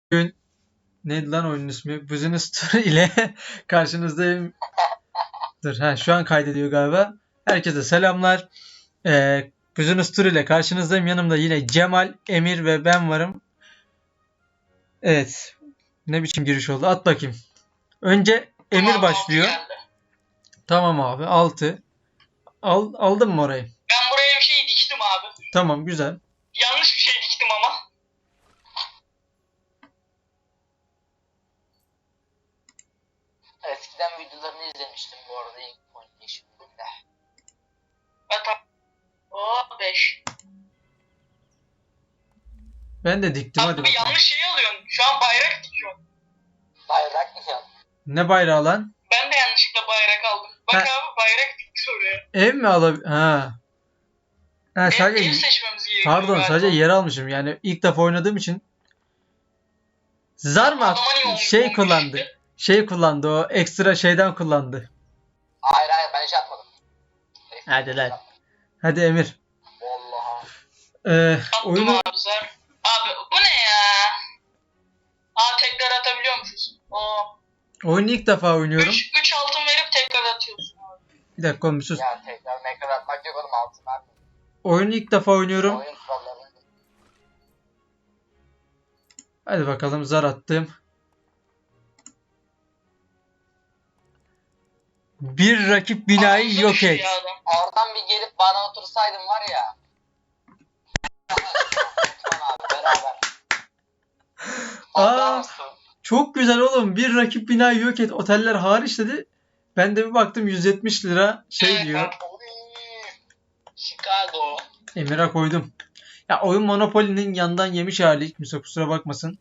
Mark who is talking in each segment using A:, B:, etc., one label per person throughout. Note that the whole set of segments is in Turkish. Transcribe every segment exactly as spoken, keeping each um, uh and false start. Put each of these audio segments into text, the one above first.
A: Bugün neydi lan oyunun ismi? Business Tour ile karşınızdayım. Dur, ha, şu an kaydediyor galiba. Herkese selamlar. Ee, Business Tour ile karşınızdayım. Yanımda yine Cemal, Emir ve ben varım. Evet. Ne biçim giriş oldu? At bakayım. Önce Emir
B: Tamam,
A: başlıyor.
B: altı geldi.
A: Tamam abi. altı. Al, aldın mı orayı?
B: Ben buraya bir şey diktim abi.
A: Tamam, güzel.
B: Yanlış bir şey diktim ama.
C: Eskiden videolarını izlemiştim bu arada ilk oynayışımda.
B: Ben tam... Oo beş.
A: Ben de diktim, hadi
B: Abi
A: bakalım.
B: yanlış şey alıyorsun. Şu an bayrak dikiyorsun.
C: Bayrak mı ya?
A: Ne bayrağı lan?
B: Ben de yanlışlıkla bayrak aldım. Bak
A: Ha.
B: abi bayrak dikti oraya.
A: Ev mi alab... Ha. Ha
B: Ev,
A: sadece...
B: ev seçmemiz gerekiyor
A: Pardon,
B: galiba.
A: sadece yer almışım. Yani ilk defa oynadığım için. Zar mı at-
B: Adama niye olmuş-
A: şey
B: olmuş
A: kullandı.
B: işte?
A: Şey kullandı, o ekstra şeyden kullandı.
C: Hayır hayır ben hiç atmadım.
A: Hadi lan. Hadi Emir.
C: Vallahi.
A: Ee,
B: Attım
A: oyunu
B: abi zar. Abi bu ne ya? Aa tekrar atabiliyormuşuz. Oo.
A: oyunu ilk defa oynuyorum.
B: üç altın verip tekrar atıyorsun abi.
A: Bir dakika oğlum, bir sus.
C: Ya tekrar mekar atmak yok oğlum altın abi.
A: Oyunu ilk defa oynuyorum.
C: Oyun kurallarını.
A: Hadi bakalım, zar attım. Bir rakip binayı
B: Ağzı
A: yok
B: düştü
A: et.
B: ya adam.
C: Oradan bir gelip bana otursaydın var ya. Lütfen abi beraber.
A: Aa.
C: Adamsın.
A: Çok güzel oğlum. Bir rakip binayı yok et. Oteller hariç dedi. Ben de bir baktım yüz yetmiş lira şey
B: Evet,
A: diyor.
B: abi.
C: Oy. Chicago.
A: Emir'e koydum. Ya oyun Monopoly'nin yandan yemiş hali. Kimse kusura bakmasın.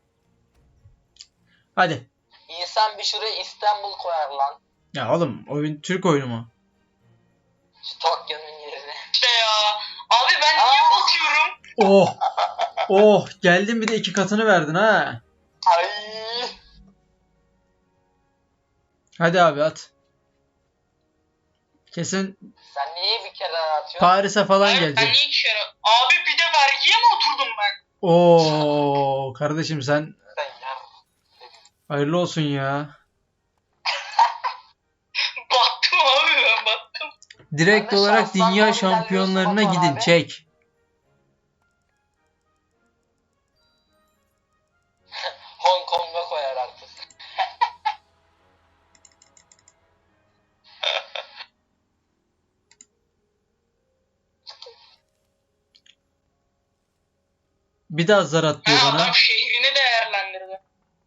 A: Hadi.
C: İnsan bir şuraya İstanbul koyar lan.
A: Ya oğlum, oyun Türk oyunu mu?
C: Şu Tokyo'nun yerine.
B: İşte ya. Abi ben niye
C: Aa.
B: batıyorum?
A: Oh. Oh. Geldin, bir de iki katını verdin ha.
C: Ay.
A: Hadi abi at. Kesin
C: Sen niye bir kere atıyorsun?
A: Paris'e falan
B: Hayır, ben
A: gelecek.
B: niye iki kere... Abi bir de vergiye mi oturdum ben?
A: Oo kardeşim, sen
C: Sen ya.
A: hayırlı olsun ya.
B: Battım abi ben battım.
A: Direkt
C: Ben de
A: olarak
C: şanslan
A: dünya
C: doğru
A: şampiyonlarına
C: ilerliyorsun
A: gidin,
C: abi.
A: çek.
C: Hong Kong'a koyar artık.
A: Bir daha zar at diyor
B: Ha,
A: bana.
B: adam şehrini değerlendirdi.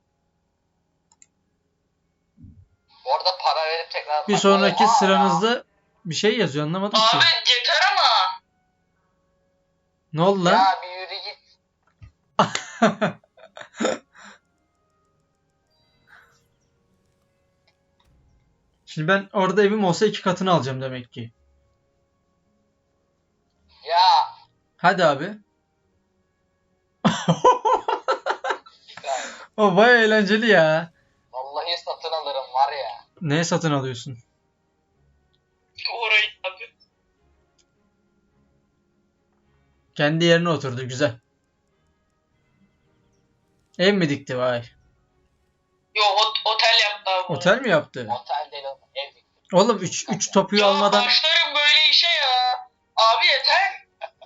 C: Orada para verip tekrar...
A: Bir sonraki
C: Oha
A: sıranızda bir şey yazıyor, anlamadım ki.
B: Abi yeter ama.
A: Ne oldu
C: Ya.
A: lan?
C: Ya bir yürü git.
A: Şimdi ben orada evim olsa iki katını alacağım demek ki.
C: Ya.
A: Hadi abi.
C: Ya.
A: O baya eğlenceli ya.
C: Vallahi satın alırım var ya.
A: Neye satın alıyorsun?
B: Orayı abi.
A: Kendi yerine oturdu, güzel. Ev mi dikti, vay.
B: Yo ot- otel yaptı abi.
A: Otel mi yaptı?
C: Otel değil oğlum ev diktim.
A: Oğlum üç üç topuyu
B: Ya
A: almadan
B: başlarım böyle işe ya. Abi yeter.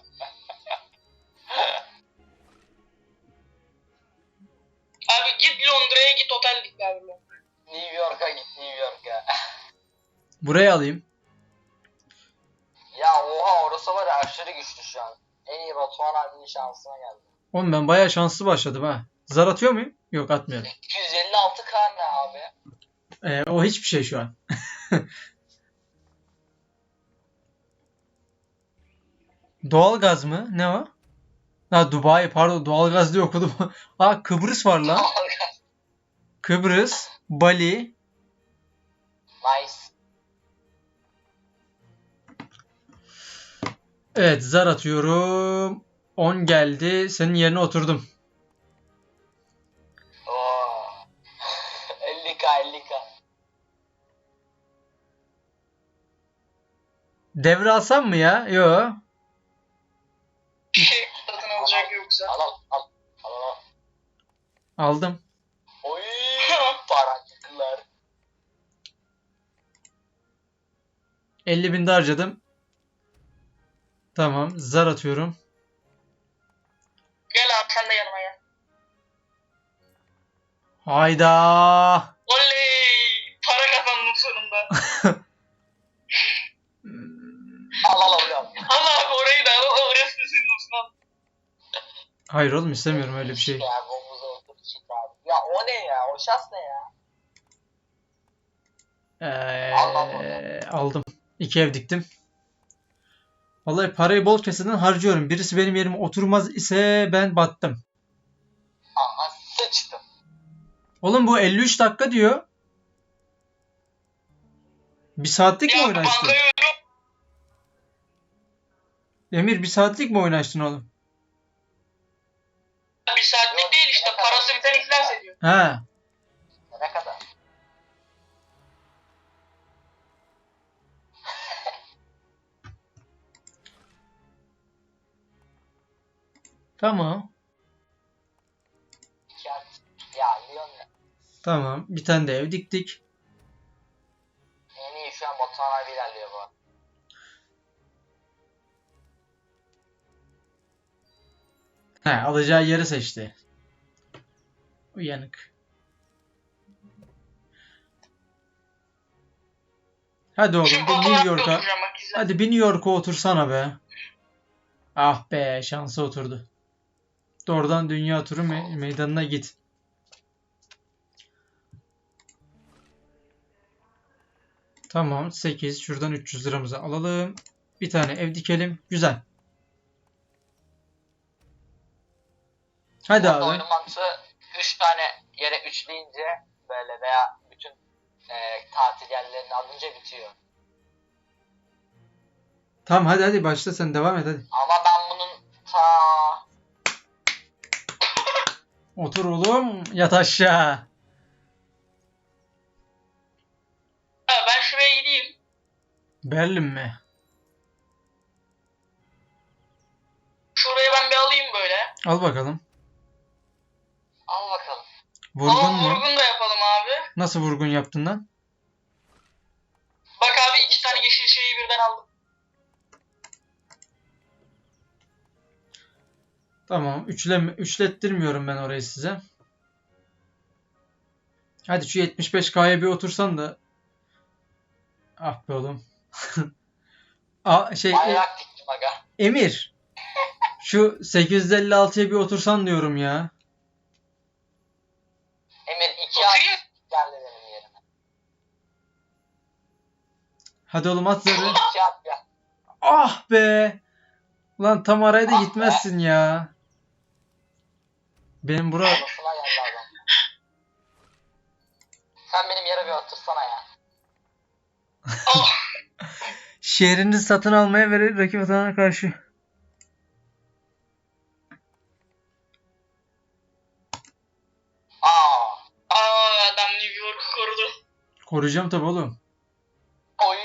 B: Abi git Londra'ya git otel dik abi.
C: New York'a git New York'a.
A: buraya alayım.
C: Ya oha orası var ya aşırı güçlü şu an. En iyi Batuhan abinin şansına geldi.
A: Oğlum ben baya şanslı başladım ha. Zar atıyor muyum? Yok, atmıyorum.
C: iki yüz elli altı K ne abi?
A: Ee, o hiçbir şey şu an. Doğalgaz mı? Ne o? Ha, Dubai, pardon, doğalgaz diye okudum. Aa, Kıbrıs var lan. Kıbrıs, Bali.
C: Nice.
A: Evet, zar atıyorum. on geldi. Senin yerine oturdum.
C: Oo. elli K elli K.
A: Devre alsam mı ya? Yo.
B: Bir şey satın alacak yoksa.
C: Al al al. Al al.
A: Aldım.
C: Oy paracıklar.
A: elli bin de harcadım. Tamam. Zar atıyorum.
B: Gel abi sen de yanıma gel.
A: Hayda.
B: Oley! Para kazandım sonunda.
C: Al al alıyorum.
B: Allah abi orayı da al. Orası da senin olsun al.
A: Hayır oğlum istemiyorum öyle bir şey.
C: Ya bomuza otur çık abi. Ya o ne ya? O şans ne ya?
A: Ee, aldım. İki ev diktim. Vallahi parayı bol keseden harcıyorum. Birisi benim yerime oturmaz ise ben battım.
C: Aha sıçtım.
A: Oğlum bu elli üç dakika diyor. Bir saatlik mi
B: Ya
A: oyun açtın?
B: bankayı ödüyorum.
A: Emir bir saatlik mi oyun açtın oğlum?
B: Bir saatlik değil işte. Parası biten iflas ediyor.
A: He.
C: Ne kadar?
A: Tamam.
C: Ya, ya Lyon ne?
A: Tamam. Bir tane de ev diktik.
C: En iyi şu an Batuhan abi ilerliyor bu.
A: He, alacağı yeri seçti. Uyanık. Hadi oğlum
B: Şimdi
A: bir New
B: fotoğrafta
A: York'a.
B: oturacağım bak güzel.
A: Hadi bir New York'a otursana be. Ah be şansa oturdu. Doğrudan dünya turu me- meydanına git. Tamam sekiz. Şuradan üç yüz liramızı alalım. Bir tane ev dikelim. Güzel. Hadi
C: Burada
A: abi.
C: oyunun mantığı üç tane yere üçleyince böyle veya bütün e, tatil yerlerini alınca bitiyor.
A: Tamam hadi hadi başla sen devam et hadi.
C: Ama ben bunun ta
A: Otur oğlum yat aşağı.
B: Ha, ben şuraya gideyim.
A: Berlin mi?
B: Şurayı ben bir alayım böyle.
A: Al bakalım.
C: al bakalım.
A: Vurgun
B: Ama
A: mu?
B: vurgun da yapalım abi.
A: Nasıl vurgun yaptın lan?
B: Bak abi iki tane yeşil şeyi birden aldım.
A: Tamam. Üçleme, üçlettirmiyorum ben orayı size. Hadi şu yetmiş beş K'ya bir otursan da. Ah be oğlum. Aa, şey e,
C: Bayrak diktim aga.
A: Emir. Şu sekiz yüz elli altıya bir otursan diyorum ya.
C: Emir iki ay
B: Oturayım.
C: geldi benim yerime.
A: Hadi oğlum at zarı.
C: İki at gel.
A: Ah be. Ulan tam araya da
C: Ah be.
A: gitmezsin ya. Benim bura
C: Odasına geldi adam. Sen benim yere bir otursana ya.
B: Oh.
A: şehrini satın almaya verir rakip atana karşı.
C: Aa.
B: Aa adam New York'u korudu.
A: Koruyacağım tabii oğlum.
C: Oy.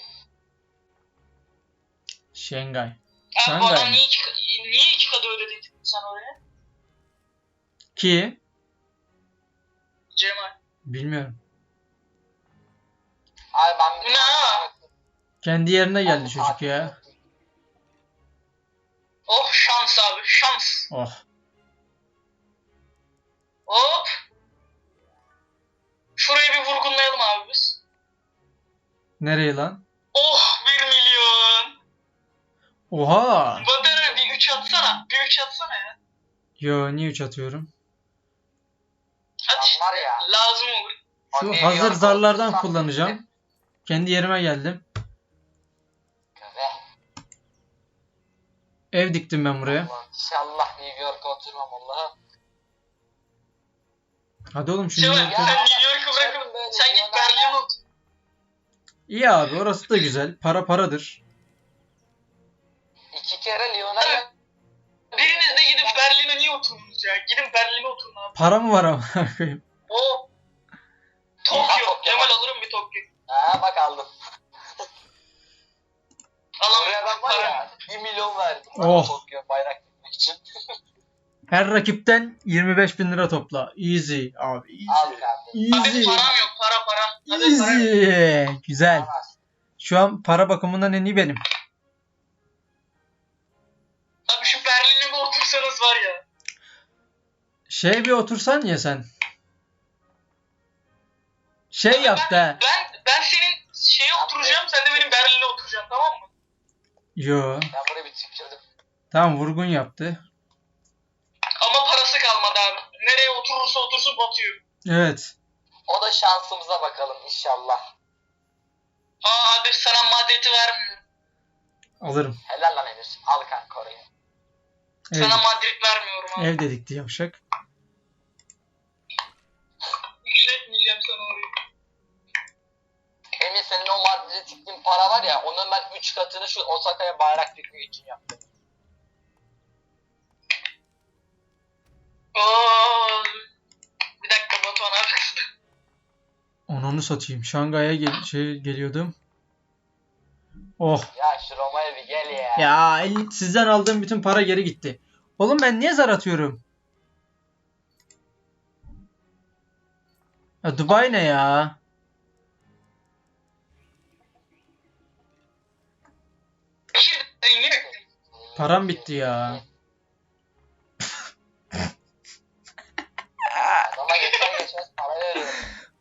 A: Şengay.
B: Abi bu
A: Şangay
B: adam
A: mı?
B: niye iki, niye iki kadı ödedin sen oraya?
A: Ki
B: Cemal.
A: bilmiyorum.
C: Abi ben bir
B: Bu ne ha?
A: Kendi yerine geldi çocuk ya.
B: Oh şans abi şans.
A: Oh.
B: Hop. Şurayı bir vurgunlayalım abi biz.
A: Nereye lan?
B: Oh bir milyon.
A: Oha.
B: Badara bir üç atsana. Bir üç atsana ya.
A: Yo niye üç atıyorum?
B: Hadi işte.
C: var ya.
B: Lazım olur.
A: Şu
C: New
A: hazır
C: York
A: zarlardan
C: otursam-
A: kullanacağım. Kendi yerime geldim.
C: Ve
A: Ev diktim ben buraya.
C: Allah, İnşallah New York'a oturmam Allah'ım.
A: Hadi oğlum şu
B: Cemal
A: New
B: sen
A: York'a.
B: New York'u bırakıp sen git Berlin'e otur.
A: İyi abi orası da güzel. Para paradır.
C: İki kere Lyon'a gel.
B: Biriniz de gidip Berlin'e niye oturmuyorsunuz ya? Gidin Berlin'e oturun abi.
A: Para mı var ama?
B: O Tokyo. Cemal alırım bir Tokyo.
C: Ha bak aldım. Buraya
B: Alamıyorum.
C: ben var ya bir milyon verdim.
A: Oh.
C: Tokyo bayrak dikmek için.
A: Her rakipten yirmi beş bin lira topla. Easy abi.
C: Al
A: Easy.
C: kardeşim.
B: Abi
A: Easy.
B: param yok, para para. Hadi para yok.
A: Easy. Güzel.
C: Alamaz.
A: Şu an para bakımından en iyi benim.
B: Abi şu Berlin'e bir otursanız var ya.
A: Şey bir otursan ya sen. Şey
B: Ben-
A: yaptı ha.
B: Ben ben senin şeye oturacağım, sen de benim Berlin'e oturacaksın, tamam mı?
A: Yo.
C: Ben buraya bir tükürdüm.
A: Tamam vurgun yaptı.
B: Ama parası kalmadı abi. Nereye oturursa otursun batıyor.
A: Evet.
C: O da şansımıza bakalım inşallah.
B: Aa abi sana Madrid'i vermiyorum.
A: Alırım.
C: Helal lan Emir. Al kanka orayı.
A: Ev,
B: Sana Madrid vermiyorum abi.
A: ev dedikti yavşak.
B: Yükseltmeyeceğim sana orayı.
C: Emir senin o Madrid'e tiktiğin para var ya, onun ben üç katını şu Osaka'ya bayrak dikmek için yaptım.
B: Oo. Bir dakika Batuhan abi kızdı.
A: Onu satayım. Şangay'a gel şey geliyordum. Oh.
C: Ya şu Roma'ya bir gel ya.
A: Ya el- sizden aldığım bütün para geri gitti. Oğlum ben niye zar atıyorum? Ya Dubai ne ya?
B: Şimdi zengin
A: Param bitti ya.
C: Adama geçen geçmez para veriyorum.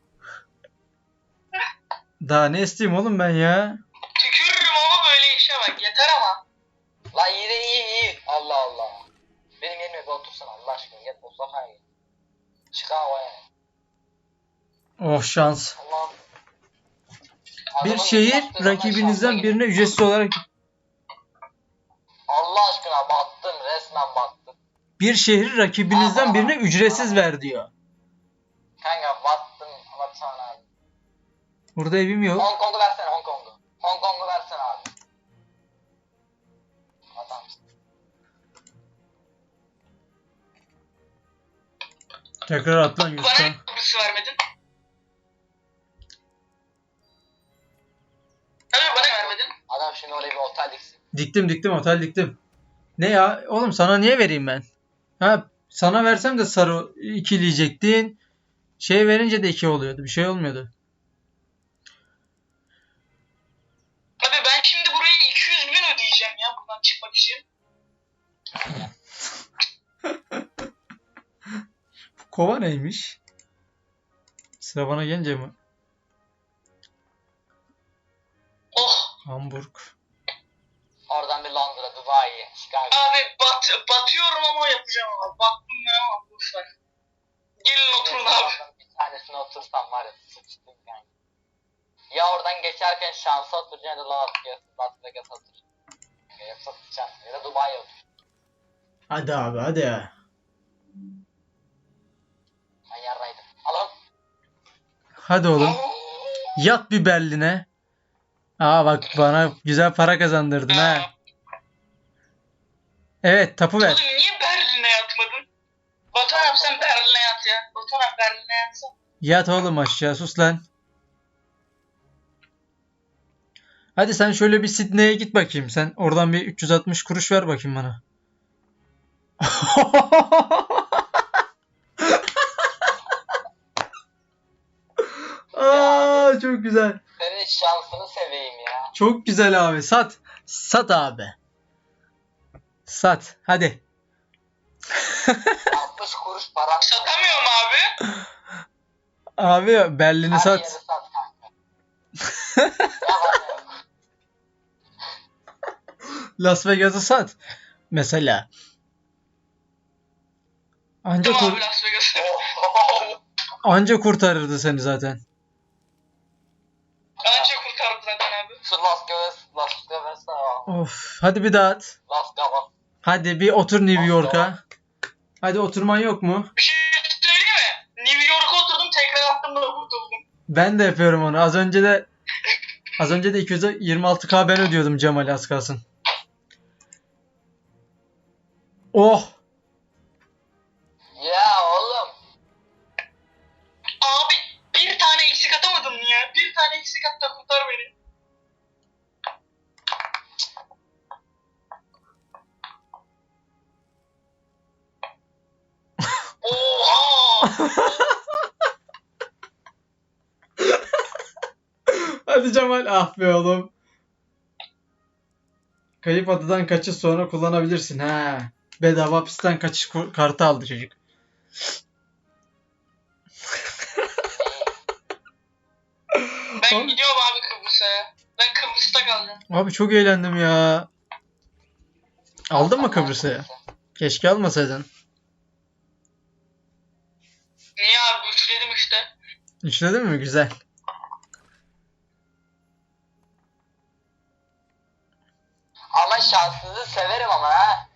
A: Daha ne isteyeyim oğlum ben ya?
B: tükürürüm ama böyle işe bak. Yeter ama.
C: Lan iyi de iyi iyi. Allah Allah. Benim yerime bir otursana Allah aşkına. Gel Osaka'ya gel. Chicago'ya.
A: Oh şans.
C: Allah'ım.
A: Bir
C: Adamın
A: şehir
C: yaptığı zaman
A: rakibinizden
C: şansa
A: birine
C: gidiyor.
A: ücretsiz olarak
C: Allah aşkına battım. Resmen battım.
A: bir şehir rakibinizden birine ücretsiz ver diyor.
C: Kanka battım. Batsana abi.
A: Burada evim yok.
C: Hong Kong'u versene Hong Kong'u. Hong Kong'u versene abi. Adamsın.
A: Tekrar at lan
B: Bana
A: Yusuf'a.
B: ne Kıbrıs'ı vermedin? Abi bana vermedin.
C: Adam şimdi oraya bir otel diksin.
A: Diktim diktim otel diktim. Ne ya? Oğlum sana niye vereyim ben? Ha sana versem de sarı ikileyecektin. Şey verince de iki oluyordu. Bir şey olmuyordu.
B: Abi ben şimdi buraya iki yüz bin ödeyeceğim ya buradan çıkmak için.
A: Kova neymiş? Sıra bana gelince mi?
B: Oh.
A: Hamburg.
C: Oradan bir Londra, Dubai, Chicago.
B: Abi bat, batıyorum ama yapacağım abi. Baktım ben ama boş ver. Gelin oturun abi.
C: Bir tanesine otursam var ya sıçtım yani. Ya oradan geçerken şansa oturacaksın ya da Las Vegas, Las Vegas otur. Ya sıçacaksın ya da Dubai'ye otur.
A: Hadi abi hadi.
C: Ben yarraydım. Alın.
A: Hadi oğlum. Yat bir Berlin'e. Aa bak bana güzel para kazandırdın ha. Evet tapu ver.
B: Oğlum niye Berlin'e yatmadın? Batuhan abi sen Berlin'e yat ya. Batuhan abi Berlin'e yatsan.
A: Yat oğlum aşağı sus lan. Hadi sen şöyle bir Sydney'e git bakayım. Sen oradan bir üç yüz altmış kuruş ver bakayım bana. Aa çok güzel.
C: Senin şansını seveyim ya.
A: Çok güzel abi. Sat. Sat abi. Sat. Hadi.
C: altmış kuruş param.
B: Satamıyorum abi.
A: Abi Berlin'i
C: Her yeri
A: sat.
C: sat kanka. Ya bana yok.
A: Las Vegas'ı sat. Mesela. Anca,
B: Tamam
A: kur-
B: abi Las Vegas'ı.
A: anca kurtarırdı seni zaten.
B: Anca kurtardı zaten abi.
C: Şu Las Vegas, Las Vegas'a.
A: Of. Hadi bir daha at.
C: Las Vegas.
A: Hadi bir otur New York'a. Hadi oturman yok mu?
B: Bir şey söyleyeyim mi? New York'a oturdum tekrar attım da kurtuldum.
A: Ben de yapıyorum onu. Az önce de az önce de iki yüz yirmi altı bin ben ödüyordum Cemal'e az kalsın. Oh!
C: Ya oğlum.
B: Abi bir tane eksik atamadın mı ya? Bir tane eksik at da kurtar beni.
A: Hadi Cemal, ah be oğlum. Kayıp adadan kaçış sonra kullanabilirsin ha. Bedava hapisten kaçış ku- kartı aldı çocuk.
B: Ben
A: Abi,
B: gidiyorum abi Kıbrıs'a ya. Ben Kıbrıs'ta kalacağım.
A: abi çok eğlendim ya. Aldın mı Kıbrıs'ı? Keşke almasaydın.
B: Niye abi üçledim işte.
A: İşledin mi? Güzel.
C: Ama şanssızı severim ama ha.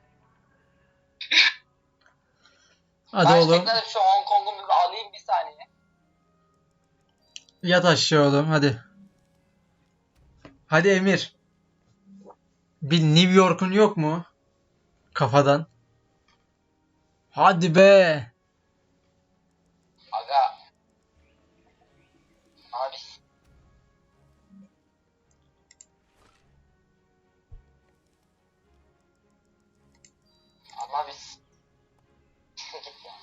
A: Hadi
C: ben
A: oğlum.
C: tekrar şu Hong Kong'u bir alayım bir saniye.
A: Yat aşağı oğlum hadi. Hadi Emir. Bir New York'un yok mu? Kafadan. Hadi be.
C: Aga. Abi. Ama biz. Git ya.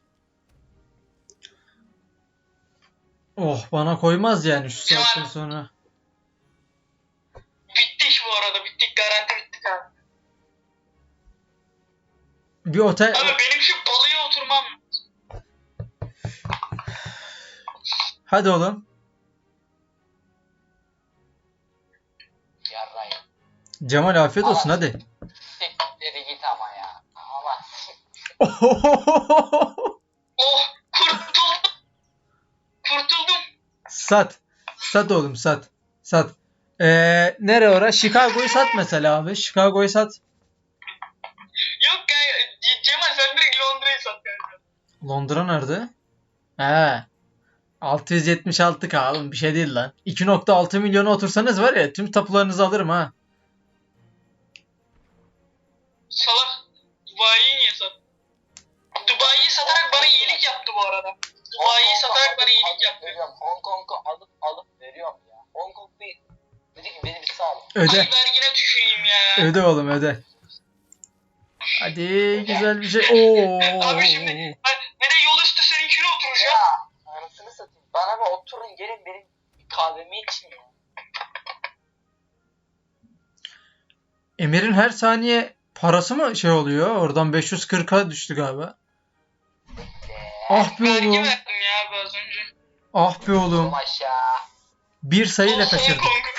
A: Oh, bana koymaz yani şu saatten sonra.
B: Bitti iş bu arada. Bittik. Garanti bittik abi.
A: Bir otel...
B: Abi benim şu balıya oturmam.
A: Hadi oğlum.
C: Yarrayım.
A: Cemal afiyet olsun
C: Ama-
A: hadi.
C: Siktir git ama ya. Ama.
B: Oh kurtuldum. Kurtuldum.
A: Sat. Sat oğlum sat. Sat. Ee, nere ora? Chicago'yu sat mesela abi. Chicago'yu sat.
B: Yok ya. Cemal sen direkt Londra'yı sat kanka.
A: Londra nerede? He. altı yüz yetmiş altı K oğlum, bir şey değil lan. iki nokta altı milyona otursanız var ya, tüm tapularınızı alırım ha.
B: Salak. Dubai'yi niye sat? Dubai'yi satarak bana iyilik yaptı bu arada. Dubai'yi satarak bana iyilik yaptı.
C: Veriyorum. Hong Kong'u alıp alıp veriyorum ya. Hong Kong bir. Dedi ki beni bir sal.
A: Öde.
B: Ay vergine tüküreyim ya.
A: Öde oğlum öde. Hadi güzel bir şey. Oo.
B: Abi şimdi ben ne de yol üstü seninkine oturacağım.
C: Ya. Anasını satayım. Bana bir oturun gelin benim kahvemi için ya.
A: Emir'in her saniye parası mı şey oluyor? Oradan beş yüz kırka düştü galiba. Ah be
B: Vergi
A: oğlum.
B: verdim ya abi az önce.
A: Ah be oğlum.
C: Oğlum aşağı.
A: Bir sayıyla
B: Oh,
A: kaçırdı.
B: Hong Kong.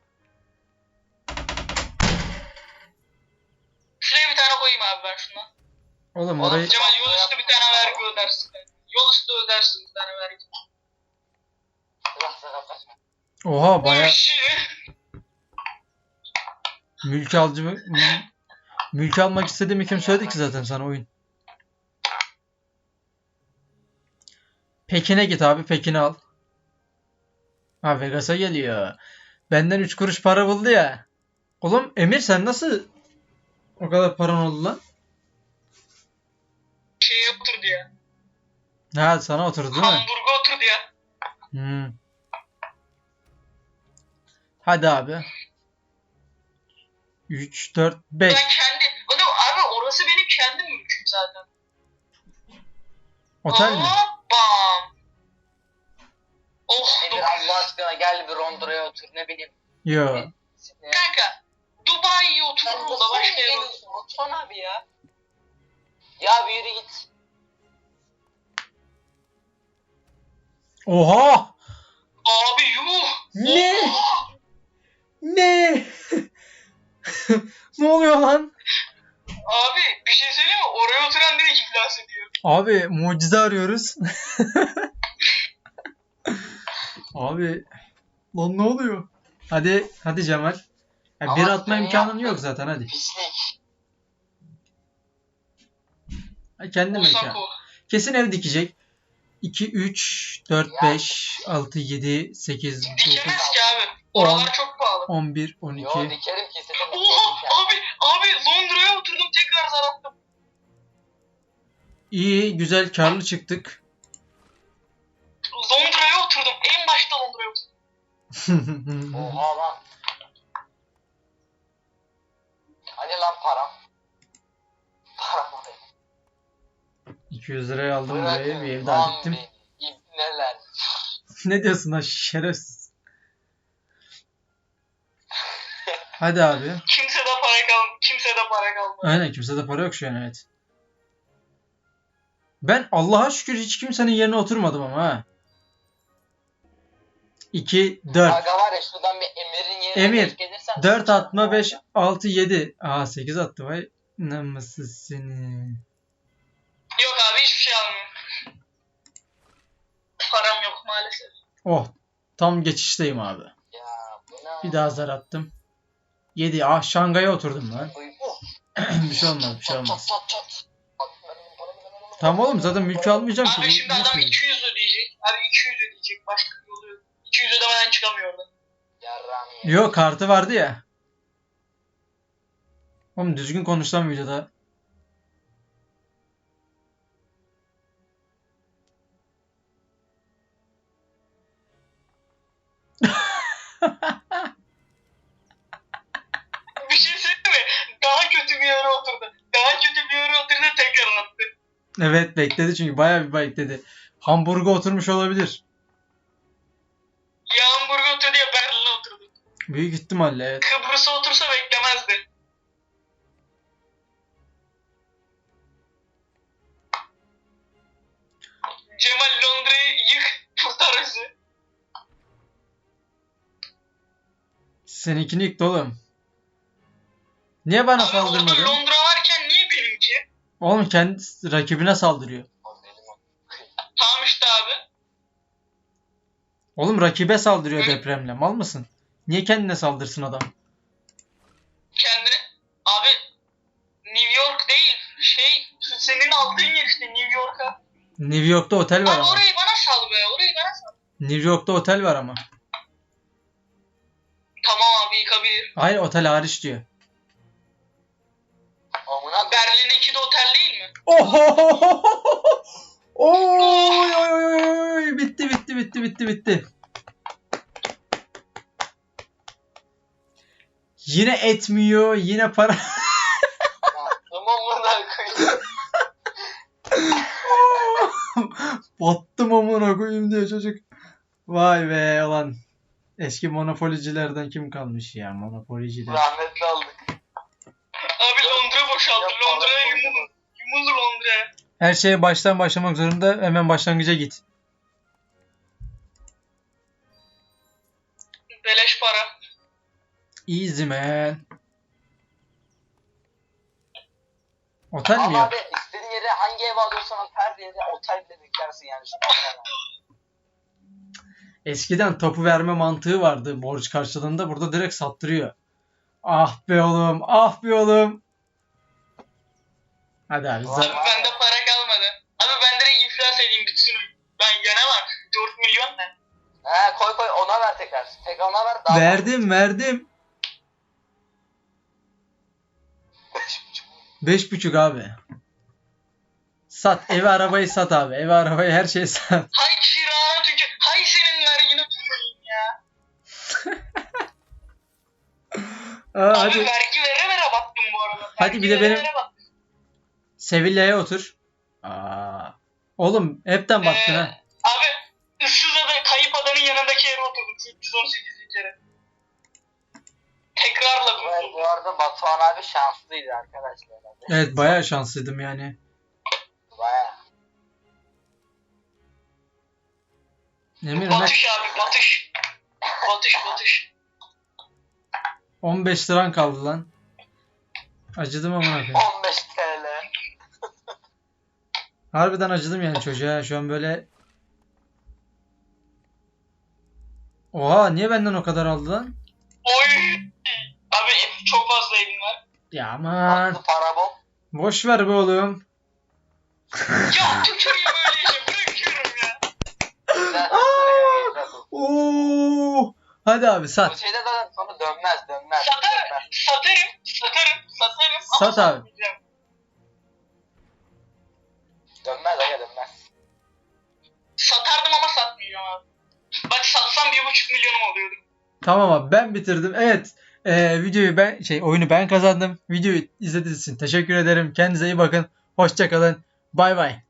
B: Şuraya bir tane koyayım abi ben şundan.
A: Oğlum
C: Oğlum,
A: orayı...
B: Cemal yol üstü bir tane vergi ödersin. Yol üstü ödersin bir tane vergi.
C: Sıra sıra kaçma.
A: Oha baya
B: Oh shit.
A: mülk alıcı mı? Mül- Mülk almak istediğimi kim söyledi ki zaten sana oyun. Pekin'e git abi, Pekin'i al. Ha, Vegas'a geliyor. Benden üç kuruş para buldu ya. Oğlum Emir, sen nasıl o kadar paran oldu lan?
B: Şeye oturdu ya.
A: Ha, sana oturdu değil mi?
B: Hamburg'a oturdu ya.
A: Hmm. Hadi abi. üç, dört, beş.
B: Ben kendi... Oğlum abi orası benim kendi mülküm zaten.
A: Otel mi?
B: Bam. Oh
C: Emir
B: dokuz yüz.
C: Allah aşkına gel bir Londra'ya otur ne bileyim.
A: Yo.
B: Kanka Dubai'ye
C: Sen
B: oturur da
C: nasıl
B: başka yere otur.
C: geliyorsun Batuhan abi ya? Ya bir yürü git.
A: Oha!
B: Abi yuh.
A: Ne?
B: Oha.
A: Ne? Ne oluyor lan?
B: Abi bir şey söyleyeyim mi? Oraya oturan direkt iflas ediyor.
A: Abi mucize arıyoruz. Abi lan ne oluyor? Hadi hadi Cemal. Ya,
C: Ama
A: bir atma
C: senin
A: imkanın
C: yaptığın
A: yok zaten hadi.
C: Pislik.
A: Ha, kendi mekan.
B: Osako.
A: Kesin ev dikecek. iki, üç, dört,
C: Ya.
A: beş, altı, yedi, sekiz, dokuz,
B: Dikemez ki abi.
A: on.
B: Oralar çok pahalı.
A: on bir, on
C: Yo
A: iki.
C: dikerim ki senin
B: Oha abi abi Londra'ya oturdum tekrar zar attım.
A: İyi, güzel, karlı çıktık.
B: Londra'ya oturdum. En başta Londra'ya oturdum.
C: Oha lan. Hani lan param? Param oraya.
A: iki iki yüz liraya aldım burayı. Bir
C: Bırakın
A: ev
C: lan
A: daha diktim.
C: beni. İbneler.
A: Ne diyorsun lan şerefsiz. Hadi abi.
B: Kimse de para kal kimse de para kalmadı.
A: Aynen kimsede para yok şu an, evet. Ben Allah'a şükür hiç kimsenin yerine oturmadım ama ha. iki, dört.
C: Aga var ya şuradan bir Emir'in yerine
A: Emir,
C: denk gelirsen
A: dört
C: sıçacağım
A: atma,
C: bu
A: beş,
C: arada.
A: altı, yedi. Aha sekiz attı vay. Namussuz seni.
B: Yok abi hiçbir şey almıyorum. Param yok maalesef.
A: Oh. Tam geçişteyim abi.
C: Ya bu ne?
A: Bir daha zar attım. yedi. Ah Şangay'a oturdum lan.
C: Uy, oh.
A: Bir şey olmaz, bir şey
C: Çat
A: olmaz.
C: çat çat çat. Paramı, paramı, paramı,
A: Tamam oğlum, zaten
C: paramı,
A: mülkü
C: paramı.
A: almayacağım ki.
B: Abi şimdi
A: Nasıl
B: adam
A: mülk?
B: iki yüz ödeyecek. Abi iki yüz ödeyecek. Başka bir yolu yok. iki yüz ödemeden çıkamıyor oradan.
C: Yarrağımı ye.
A: Yok, kartı vardı ya. Oğlum düzgün konuş lan videoda.
B: Bir şey söyleyeyim mi? Daha kötü bir yere oturdu. Daha kötü bir yere oturdu tekrar attı.
A: Evet bekledi, çünkü bayağı bir bekledi. Hamburg'a oturmuş olabilir.
B: Ya Hamburg'a oturdu ya Berlin'e oturdu.
A: Büyük ihtimalle evet.
B: Kıbrıs'a otursa beklemezdi. Cemal Londra'yı yık kurtar bizi.
A: Seninkini yıktı oğlum. Niye bana
B: Abi orada
A: saldırmadı?
B: Londra varken niye benimki?
A: Oğlum kendi rakibine saldırıyor.
C: O benim o.
B: Tamam işte abi.
A: Oğlum rakibe saldırıyor depremle. Mal mısın? Niye kendine saldırsın adam?
B: Kendine... Abi New York değil. Şey senin aldığın yer işte New York'a.
A: New York'ta otel var
B: Abi
A: ama.
B: orayı bana sal be. Orayı bana sal.
A: New York'ta otel var ama.
B: Tamam abi yıkabilir.
A: Hayır, otel hariç diyor.
C: Amına koyayım.
B: Berlin'inki de otel değil mi?
A: Oho! Oy oy oy oy! Bitti bitti bitti bitti bitti. Yine etmiyor, yine para.
C: Baktım amına koyayım.
A: Battım amına koyayım diyor çocuk. Vay be ulan. Eski monopolicilerden kim kalmış ya, monopoliciler.
C: Rahmetli aldık.
B: Abi Londra boşaldı.
C: Ya para
B: Londra'ya
C: koydum.
B: yumulur. Yumulur Londra'ya.
A: Her şeye baştan başlamak zorunda, hemen başlangıca git.
B: Beleş para.
A: Easy man. Otel mi
C: Ama
A: yap?
C: abi istediğin yere hangi ev alıyorsan her yere otel bile diklersin yani. Şu an.
A: Eskiden topu verme mantığı vardı borç karşılığında. Burada direkt sattırıyor. Ah be oğlum, ah be oğlum. Hadi abi.
B: Abi
A: zar-
B: bende para kalmadı. Abi ben direkt iflas edeyim bitsin. Ben gene var. dört milyon ne?
C: He koy koy ona ver tekrar. Tekrar ona ver. Daha
A: Verdim, verdim. Beş buçuk abi. Sat. Evi arabayı sat abi. Evi arabayı her şeyi sat.
B: Hay kirana tükür. Hay senin vergini tüküreyim ya.
A: Aa,
B: Abi
A: hadi.
B: vergi vere vere baktım bu arada.
A: Hadi
B: Vergi
A: bir de
B: vere
A: benim-
B: vere baktım.
A: Sevilla'ya otur. Aa. Oğlum hepten baktın
B: Ee,
A: ha.
B: Abi Issıza'da kayıp adanın yanındaki yere oturdum. üç yüz on sekiz kere. Tekrarla
C: Bu,
B: kurtuldum.
C: bu arada Batuhan abi şanslıydı arkadaşlar.
A: Evet, bayağı şanslıydım yani.
C: Baya.
A: Emir ne?
B: Batış abi batış. Batış batış.
A: on beş liran kaldı lan. Acıdım amına koyayım.
C: on beş T L.
A: Harbiden acıdım yani çocuğa. Şu an böyle. Oha, niye benden o kadar aldı lan?
B: Oy. Abi çok fazla evim var.
A: Ya aman.
C: Attı para bol.
A: Boş ver be oğlum.
B: Ya tükürüyor böyle işe bırakıyorum ya.
C: Güzel tutuyor, güzel tutuyor.
A: Oo. Hadi abi
C: Bu
A: sat.
C: şeyde zaten sonra dönmez dönmez.
B: Satarım,
C: dönmez.
B: satarım, satarım, satarım ama
A: Sat abi.
B: satmayacağım.
C: Dönmez aga dönmez.
B: Satardım ama satmayacağım abi. Bak satsam bir buçuk milyonum oluyordu.
A: Tamam abi, ben bitirdim. Evet. Ee, videoyu ben şey oyunu ben kazandım. Videoyu izlediğiniz için teşekkür ederim. Kendinize iyi bakın. Hoşça kalın. Bay bay.